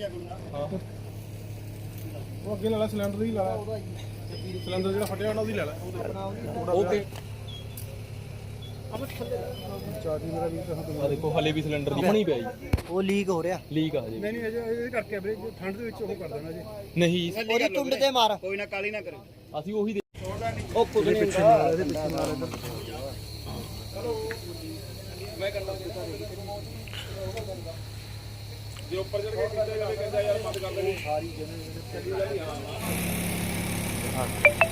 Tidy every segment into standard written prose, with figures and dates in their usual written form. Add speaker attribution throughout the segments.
Speaker 1: ਉਹ ਅੱਗੇ ਲੈ ਲੈ ਸਿਲੰਡਰ ਹੀ ਲੈ ਲੈ ਸਿਲੰਡਰ ਜਿਹੜਾ ਫਟਿਆ ਉਹਨਾਂ ਦੀ ਲੈ ਲੈ ਓਕੇ ਚਾਰਜੀ ਮੇਰਾ ਵੀ ਤਾਂ ਦੇਖੋ ਹਲੇ ਵੀ ਸਿਲੰਡਰ ਦੀ ਬਣੀ ਪਿਆ ਜੀ
Speaker 2: ਉਹ ਲੀਕ ਹੋ ਰਿਹਾ
Speaker 1: ਲੀਕ ਆ ਜੀ ਨਹੀਂ ਅਜੇ ਇਹਦੇ ਕਰਕੇ ਵੀਰੇ ਠੰਡ ਦੇ ਵਿੱਚ ਉਹ ਕਰ ਦੇਣਾ ਜੀ ਨਹੀਂ
Speaker 2: ਉਹਦੀ ਟੁੰਡ ਤੇ ਮਾਰ
Speaker 3: ਕੋਈ ਨਾ ਕਾਲੀ ਨਾ ਕਰੇ
Speaker 1: ਅਸੀਂ ਉਹੀ
Speaker 2: ਉਹ ਕੁਝ ਨਹੀਂ ਹੁੰਦਾ ਇਹਦੇ ਪਿੱਛੇ ਮਾਰ ਇੱਧਰ
Speaker 1: ਚਲੋ ਮੈਂ ਕਰਦਾ ਜੇ ਉੱਪਰ ਚੜ ਕੇ ਕਹਿੰਦਾ ਯਾਰ ਬੰਦ ਕਰ ਦੇ ਸਾਰੀ ਜਨੇ ਹਾਂ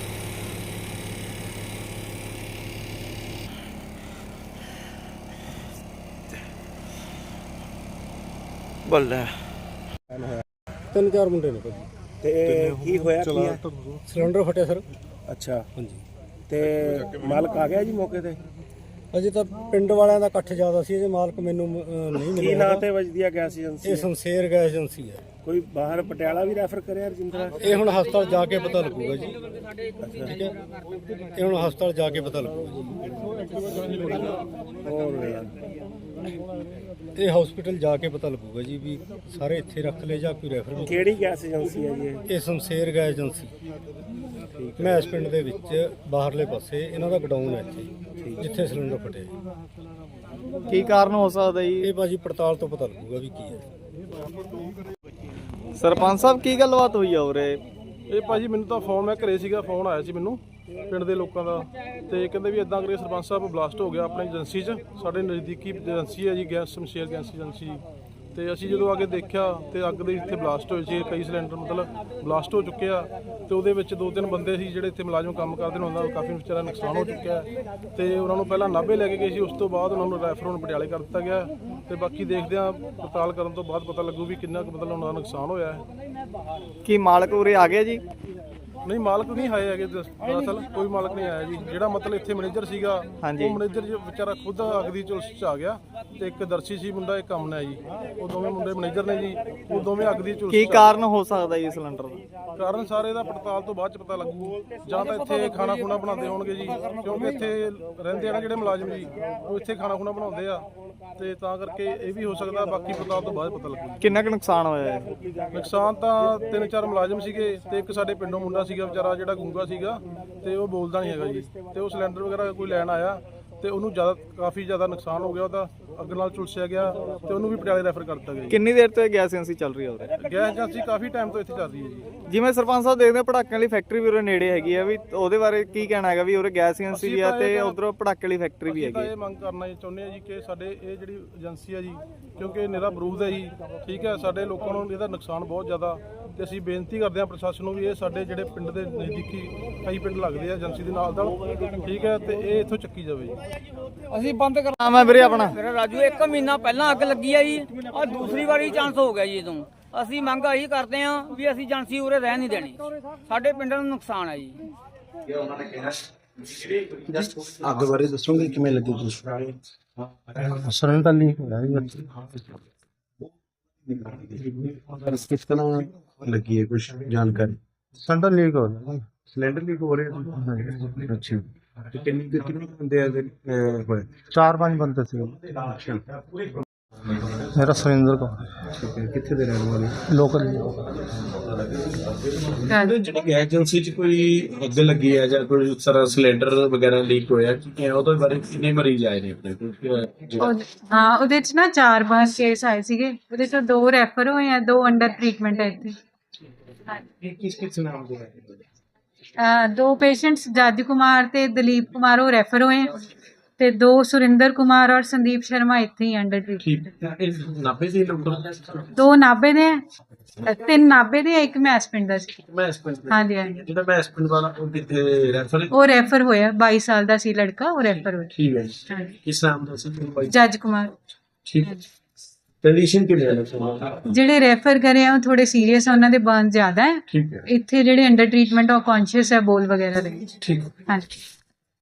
Speaker 2: ਬੱਲੇ
Speaker 1: 3-4 ਮੁੰਡੇ ਨੇ ਭਾਜੀ
Speaker 3: ਤੇ ਕੀ ਹੋਇਆ ਕੀ ਹੈ?
Speaker 1: ਸਿਲੰਡਰ ਫਟਿਆ ਸਰ
Speaker 3: ਅੱਛਾ
Speaker 1: ਹਾਂਜੀ
Speaker 3: ਤੇ ਮਾਲਕ ਆ ਗਿਆ ਜੀ ਮੌਕੇ ਤੇ?
Speaker 1: ਅਜੇ ਤਾਂ ਪਿੰਡ ਵਾਲਿਆਂ ਦਾ ਇਕੱਠ ਜ਼ਿਆਦਾ ਸੀ, ਇਹਦੇ ਮਾਲਕ ਮੈਨੂੰ ਨਹੀਂ
Speaker 3: ਕੀ
Speaker 1: ਮਿਲਿਆ।
Speaker 3: ਨਾਂ ਤੇ ਵੱਜਦੀ ਆ ਗੈਸ ਏਜੰਸੀ?
Speaker 1: ਇਹ ਸ਼ਮਸ਼ੇਰ ਗੈਸ ਏਜੰਸੀ ਹੈ।
Speaker 3: ਕੋਈ ਬਾਹਰ ਪਟਿਆਲਾ ਵੀ ਰੈਫਰ ਕਰਿਆ ਰਜਿੰਦਰਾ?
Speaker 1: ਇਹ ਹੁਣ ਹਸਪਤਾਲ ਜਾ ਕੇ ਪਤਾ ਲੱਗੂਗਾ ਜੀ। ਠੀਕ ਹੈ, ਇਹ ਹੁਣ ਹਸਪਤਾਲ ਜਾ ਕੇ ਪਤਾ ਲੱਗੂਗਾ ਜੀ। ਇਹ ਹਸਪੀਟਲ ਜਾ ਕੇ ਪਤਾ ਲੱਗੂਗਾ ਜੀ ਵੀ ਸਾਰੇ ਇੱਥੇ ਰੱਖ ਲਏ ਜਾਂ ਕੋਈ ਰੈਫਰ।
Speaker 3: ਕਿਹੜੀ ਗੈਸ ਏਜੰਸੀ ਹੈ ਜੀ
Speaker 1: ਇਹ ਸ਼ਮਸ਼ੇਰ ਗੈਸ ਏਜੰਸੀ ਮੈਸ ਪਿੰਡ ਦੇ ਵਿੱਚ ਬਾਹਰਲੇ ਪਾਸੇ ਇਹਨਾਂ ਦਾ ਗਡਾਊਨ ਹੈ ਇੱਥੇ ਜਿੱਥੇ ਸਿਲੰਡਰ ਫਟਿਆ।
Speaker 2: ਕੀ ਕਾਰਨ ਹੋ ਸਕਦਾ ਜੀ?
Speaker 1: ਇਹ ਭਾਜੀ ਪੜਤਾਲ ਤੋਂ ਪਤਾ ਲੱਗੂਗਾ ਵੀ ਕੀ ਹੈ।
Speaker 2: ਸਰਪੰਚ ਸਾਹਿਬ ਕੀ ਗੱਲਬਾਤ ਹੋਈ ਆ ਉਰੇ?
Speaker 1: ਇਹ ਭਾਜੀ ਮੈਨੂੰ ਤਾਂ ਫੋਨ, ਮੈਂ ਘਰੇ ਸੀਗਾ, ਫੋਨ ਆਇਆ ਸੀ ਮੈਨੂੰ ਪਿੰਡ ਦੇ ਲੋਕਾਂ ਦਾ, ਤੇ ਕਹਿੰਦੇ ਵੀ ਇਦਾਂ ਕਰੇ ਸਰਪੰਚ ਸਾਹਿਬ ਬਲਾਸਟ ਹੋ ਗਿਆ ਆਪਣੀ ਏਜੰਸੀ 'ਚ। ਸਾਡੇ ਨਜ਼ਦੀਕੀ ਏਜੰਸੀ ਹੈ ਜੀ ਗੈਸ ਸ਼ਮਸ਼ੇਰ ਗੈਸ ਏਜੰਸੀ। ਤੇ ਅਸੀਂ ਜਦੋਂ ਆ ਕੇ ਦੇਖਿਆ ਤੇ ਅੱਗ ਦੇ ਇੱਥੇ ਬਲਾਸਟ ਹੋਏ ਸੀ, ਕਈ ਸਿਲੰਡਰ ਮਤਲਬ ਬਲਾਸਟ ਹੋ ਚੁੱਕੇ ਆ। ਤੇ ਉਹਦੇ ਵਿੱਚ 2-3 ਬੰਦੇ ਸੀ ਜਿਹੜੇ ਇੱਥੇ ਮੁਲਾਜ਼ਮ ਕੰਮ ਕਰਦੇ ਨੇ, ਉਹਨਾਂ ਦਾ ਕਾਫੀ ਵਿਚਾਰਾ ਨੁਕਸਾਨ ਹੋ ਚੁੱਕਿਆ ਤੇ ਉਹਨਾਂ ਨੂੰ ਪਹਿਲਾਂ ਨਾਭੇ ਲੈ ਕੇ ਗਏ ਸੀ, ਉਸ ਤੋਂ ਬਾਅਦ ਉਹਨਾਂ ਨੂੰ ਰੈਫਰ ਹੁਣ ਪਟਿਆਲੇ ਕਰ ਦਿੱਤਾ ਗਿਆ। ਤੇ ਬਾਕੀ ਦੇਖਦੇ ਆ, ਪੜਤਾਲ ਕਰਨ ਤੋਂ ਬਾਅਦ ਪਤਾ ਲੱਗੂ ਵੀ ਕਿੰਨਾ ਕੁ ਮਤਲਬ ਉਹਨਾਂ ਦਾ ਨੁਕਸਾਨ ਹੋਇਆ ਹੈ।
Speaker 2: ਕੀ ਮਾਲਕ ਉਰੇ ਆ ਗਿਆ ਜੀ?
Speaker 1: ਨਹੀਂ, ਮਾਲਕ ਨਹੀਂ ਆਏ ਹੈਗੇ, ਦਰਅਸਲ ਕੋਈ ਮਾਲਕ ਨਹੀਂ ਆਇਆ ਜੀ। ਜਿਹੜਾ ਮਤਲਬ ਇੱਥੇ ਮੈਨੇਜਰ ਸੀਗਾ, ਉਹ ਮੈਨੇਜਰ ਵਿਚਾਰਾ ਖੁਦ ਅੱਗ ਦੀ ਝੁਲਸ 'ਚ ਆ ਗਿਆ। ਤੇ ਇੱਕ ਦਰਸ਼ੀ ਸੀ ਮੁੰਡਾ, ਇੱਕ ਅਮਨ ਹੈ ਜੀ, ਉਹ ਦੋਵੇਂ ਮੁੰਡੇ ਮੈਨੇਜਰ ਨੇ ਜੀ, ਉਹ ਦੋਵੇਂ ਅੱਗ ਦੀ ਝੁਲਸ।
Speaker 2: ਕੀ ਕਾਰਨ ਹੋ ਸਕਦਾ ਜੀ ਸਿਲੰਡਰ ਦਾ?
Speaker 1: ਕਾਰਨ ਸਾਰੇ ਦਾ ਪੜਤਾਲ ਤੋਂ ਬਾਅਦ 'ਚ ਪਤਾ ਲੱਗੂ। ਜਾਂ ਤਾਂ ਇੱਥੇ ਖਾਣਾ ਖੁਣਾ ਬਣਾਉਂਦੇ ਹੋਣਗੇ ਜੀ, ਕਿਉਂਕਿ ਇੱਥੇ ਰਹਿੰਦੇ ਆ ਨਾ ਜਿਹੜੇ ਮੁਲਾਜ਼ਮ ਜੀ, ਉਹ ਇੱਥੇ ਖਾਣਾ ਖੁਣਾ ਬਣਾਉਂਦੇ ਆ, ਤੇ ਤਾਂ ਕਰਕੇ ਇਹ ਵੀ ਹੋ ਸਕਦਾ। ਬਾਕੀ ਪੜਤਾਲ ਤੋਂ ਬਾਅਦ ਪਤਾ ਲੱਗੂ
Speaker 2: ਕਿੰਨਾ ਕੁ ਨੁਕਸਾਨ ਹੋਇਆ ਹੈ?
Speaker 1: ਨੁਕਸਾਨ ਤਾਂ 3-4 ਮੁਲਾਜ਼ਮ ਸੀਗੇ ਤੇ ਇੱਕ ਸਾਡੇ ਪਿੰਡੋਂ ਮੁੰਡਾ ਸੀਗਾ ਵਿਚਾਰਾ ਜਿਹੜਾ ਗੂੰਗਾ ਸੀਗਾ, ਤੇ ਉਹ ਬੋਲਦਾ ਨਹੀਂ ਹੈਗਾ ਜੀ। ਤੇ ਉਹ ਸਿਲੰਡਰ ਵਗੈਰਾ ਕੋਈ ਲੈਣ ਆਇਆ ਤੇ ਉਹਨੂੰ ਕਾਫੀ ਜ਼ਿਆਦਾ ਨੁਕਸਾਨ ਹੋ ਗਿਆ, ਉਹਦਾ ਅੱਗ ਨਾਲ ਝੁਲਸਿਆ ਗਿਆ ਤੇ ਉਹਨੂੰ ਵੀ ਪਟਿਆਲੇ ਰੈਫਰ ਕਰ ਦਿੱਤਾ ਗਿਆ ਜੀ।
Speaker 2: ਕਿੰਨੀ ਦੇਰ ਤੋਂ ਇਹ ਗੈਸ ਏਜੰਸੀ ਚੱਲ ਰਹੀ ਹੈ ਉਰੇ?
Speaker 1: ਗੈਸ ਏਜੰਸੀ ਕਾਫੀ ਟਾਈਮ ਤੋਂ ਇੱਥੇ ਚੱਲ ਰਹੀ ਹੈ ਜੀ।
Speaker 2: ਜਿਵੇਂ ਸਰਪੰਚ ਸਾਹਿਬ ਦੇਖਦੇ ਪਟਾਕਿਆਂ ਵਾਲੀ ਫੈਕਟਰੀ ਵੀ ਉਰੇ ਨੇੜੇ ਹੈਗੀ ਆ, ਵੀ ਉਹਦੇ ਬਾਰੇ ਕੀ ਕਹਿਣਾ ਹੈਗਾ? ਵੀ ਉਰੇ ਗੈਸ ਏਜੰਸੀ ਵੀ ਆ ਤੇ ਉਧਰੋਂ ਪਟਾਕੇ ਵਾਲੀ ਫੈਕਟਰੀ ਵੀ ਹੈਗੀ।
Speaker 1: ਇਹ ਮੰਗ ਕਰਨਾ ਚਾਹੁੰਦੇ ਆ ਜੀ ਕਿ ਸਾਡੇ ਇਹ ਜਿਹੜੀ ਏਜੰਸੀ ਆ ਜੀ, ਕਿਉਂਕਿ ਨਿਰਾ ਬਰੂਦ ਹੈ ਜੀ, ਠੀਕ ਹੈ, ਸਾਡੇ ਲੋਕਾਂ ਨੂੰ ਇਹਦਾ ਨੁਕਸਾਨ ਬਹੁਤ ਜ਼ਿਆਦਾ। ਤੇ ਅਸੀਂ ਬੇਨਤੀ ਕਰਦੇ ਹਾਂ ਪ੍ਰਸ਼ਾਸਨ ਨੂੰ ਵੀ ਇਹ ਸਾਡੇ ਜਿਹੜੇ ਪਿੰਡ ਦੇ ਨਜ਼ਦੀਕੀ ਕਈ ਪਿੰਡ ਲੱਗਦੇ ਆ ਏਜੰਸੀ ਦੇ ਨਾਲ, ਠੀਕ ਹੈ, ਤੇ ਇਹ ਇੱਥੋਂ ਚੱਕੀ ਜਾਵੇ ਜੀ।
Speaker 2: ਅਸੀਂ ਬੰਦ ਕਰਨਾ ਮੈਂ ਵੀਰੇ ਆਪਣਾ।
Speaker 4: ਮੇਰਾ ਰਾਜੂ 1 ਮਹੀਨਾ ਪਹਿਲਾਂ ਅੱਗ ਲੱਗੀ ਆ ਜੀ, ਆ ਦੂਸਰੀ ਵਾਰੀ ਚਾਂਸ ਹੋ ਗਿਆ ਜੀ। ਇਹ ਤੋਂ ਅਸੀਂ ਮੰਗ ਇਹੀ ਕਰਦੇ ਆ ਵੀ ਅਸੀਂ ਏਜੰਸੀ ਉਰੇ ਰਹਿ ਨਹੀਂ ਦੇਣੀ, ਸਾਡੇ ਪਿੰਡ ਨੂੰ ਨੁਕਸਾਨ ਹੈ ਜੀ।
Speaker 3: ਅੱਗ ਬਾਰੇ ਦੱਸੋਗੇ ਕਿਵੇਂ ਲੱਗੀ ਜੀ?
Speaker 1: ਸਿਲੰਡਰ ਲੀਕ ਹੋਇਆ
Speaker 3: ਕਿਸ ਤਰ੍ਹਾਂ ਲੱਗੀ ਹੈ, ਕੁਝ ਜਾਣਕਾਰੀ?
Speaker 1: ਸਿਲੰਡਰ ਲੀਕ ਹੋ ਰਿਹਾ।
Speaker 3: ਸਿਲੰਡਰ ਲੀਕ ਹੋ ਰਿਹਾ? ਅੱਛਾ, ਤੇ ਕਿੰਨੇ ਬੰਦੇ ਹੋਏ?
Speaker 1: 4-5 ਬੰਦੇ ਸੀ। ਮੇਰਾ ਸੁਰਿੰਦਰ ਕੌਰ,
Speaker 3: ਕਿੱਥੇ ਦੇ ਰਹਿਣ ਵਾਲੇ?
Speaker 1: ਲੋਕਲ।
Speaker 5: ਜਿਹੜੀ ਗੈਸ ਏਜੰਸੀ 'ਚ ਕੋਈ ਅੱਗ ਲੱਗੀ ਹੈ ਜਾਂ ਕੋਈ ਸਾਰਾ ਸਿਲੰਡਰ ਵਗੈਰਾ ਲੀਕ ਹੋਇਆ, ਉਹਦੇ ਬਾਰੇ ਕਿੰਨੇ ਮਰੀਜ਼ ਆਏ ਨੇ ਆਪਣੇ ਕੋਲ?
Speaker 6: ਹਾਂ, ਉਹਦੇ ਚ ਨਾ 4 ਬਾਰ ਕੇਸ ਆਏ ਸੀਗੇ, ਉਹਦੇ ਚੋਂ 2 ਰੈਫਰ ਹੋਏ ਆ, 2 ਅੰਡਰ ਟ੍ਰੀਟਮੈਂਟ ਹੈ ਇੱਥੇ।
Speaker 5: ਕਿਸ ਨਾਮ ਦੇ ਹੈ?
Speaker 6: 2 ਪੇਸ਼ੈਂਟਸ ਜੱਜ ਕੁਮਾਰ ਤੇ ਦਲੀਪ ਕੁਮਾਰ ਉਹ ਰੈਫਰ ਹੋਏ ਆ, ਤੇ 2 ਸੁਰਿੰਦਰ ਕੁਮਾਰ ਔਰ ਸੰਦੀਪ ਸ਼ਰਮਾ ਇੱਥੇ ਹੀ ਅੰਡਰ ਟ੍ਰੀਟਮੈਂਟ।
Speaker 5: ਇਹ 90 ਦੇ ਡਾਕਟਰ?
Speaker 6: 2 ਨਾਭੇ ਦੇ ਆ, 3 ਨਾਭੇ ਦੇ ਆ, 1 ਮੈਸ ਪਿੰਡ ਦਾ ਸੀ। ਹਾਂਜੀ ਹਾਂਜੀ।
Speaker 5: ਜਿਹੜਾ ਮੈਂ ਹਸਪੀਟਲ ਵਾਲਾ ਉਹ ਕਿੱਥੇ ਰੈਫਰ?
Speaker 6: ਉਹ ਰੈਫਰ ਹੋਇਆ, 22 ਸਾਲ ਦਾ ਸੀ ਲੜਕਾ, ਉਹ ਰੈਫਰ ਹੋਇਆ।
Speaker 5: ਠੀਕ ਹੈ ਜੀ। ਕਿਸ ਨਾਮ ਦਾ ਸੀ?
Speaker 6: ਜੱਜ ਕੁਮਾਰ।
Speaker 5: ਠੀਕ ਹੈ। ਕੰਡੀਸ਼ਨ ਕਿਵੇਂ ਹੈ?
Speaker 6: ਜਿਹੜੇ ਰੈਫਰ ਕਰੇ ਆ ਉਹ ਥੋੜੇ ਸੀਰੀਅਸ ਆ, ਉਹਨਾਂ ਦੇ ਬਰਨ ਜ਼ਿਆਦਾ ਹੈ।
Speaker 5: ਠੀਕ ਹੈ।
Speaker 6: ਇੱਥੇ ਜਿਹੜੇ ਅੰਡਰ ਟ੍ਰੀਟਮੈਂਟ ਉਹ ਕੌਨਸ਼ੀਅਸ ਹੈ, ਬੋਲ ਵਗੈਰਾ ਦੇ।
Speaker 5: ਠੀਕ।
Speaker 6: ਹਾਂਜੀ।